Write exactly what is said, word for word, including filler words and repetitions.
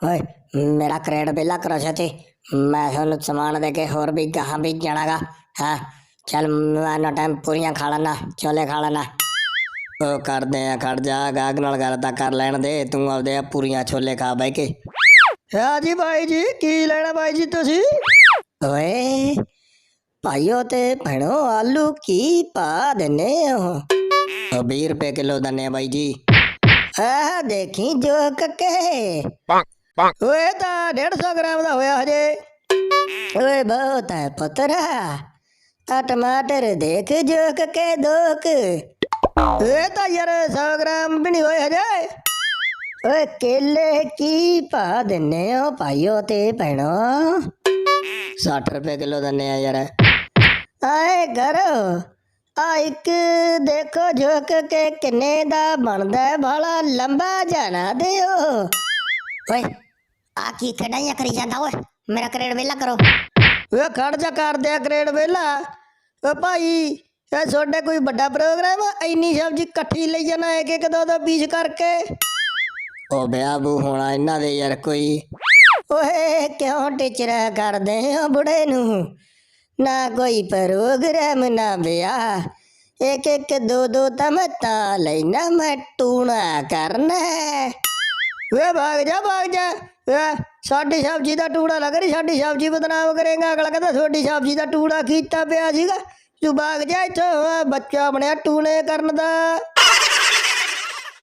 ओए मेरा क्रेड बेला करो छे। मैं थोनू सामान दे के होर भी कहाँ भी जानागा। हाँ चल मैं टाइम पूरियां खा लेना, छोले खा लेना। ओ कर दे खड़ जा, गाग नाल गल तां कर लैण दे, तू आपदे पूरियां छोले खा बह के। हाँ जी भाई जी, की लेना भाई जी तुसी? ओए भाइयों ते भैणो आलू की पा देने हो? बीस रुपए किलो दने भाई जी। आ देखी जो कके ओए ता डेढ़ सौ ग्राम दा होया हजे। ओए बहुत है पुत्रा, आ टमाटर देख जो कके दोक। ओए ता यार सौ ग्राम भी नहीं होए हजे। ओए केले की पा देने हो भाइयों ते भैणो? साठ रुपए किलो दने आ यार। आए करो आ एक देखो झुक के किन्ने दा बनदा है, भाला लंबा जाना दियो। ओए आ की कढ़ाइयां करी जांदा ओए, मेरा क्रेड वेला करो। वे खड़ जा कर दे क्रेड वेला। ओ भाई ए सोडे कोई बड़ा प्रोग्राम है, इन्नी सब्जी इकट्ठी ले जाना एक एक दो दो पीस करके? ओ ब्याबू होना इन्ना दे यार कोई। ओए क्यों टीचरा कर दे हो बुढ़े नू? ना कोई प्रोग्राम ना ब्याह, एक एक दो दो तम ता लेना मैं टूना करना। वे भाग जा भाग जा, वे साडी सब्जी दा टूड़ा लग रही, साडी सब्जी बदनाम करेगा। अगला कहता थोड़ी सब्जी दा टूड़ा कीता पिया सीगा, तू भाग जा इथों, बच्चा बनया टूने करन दा।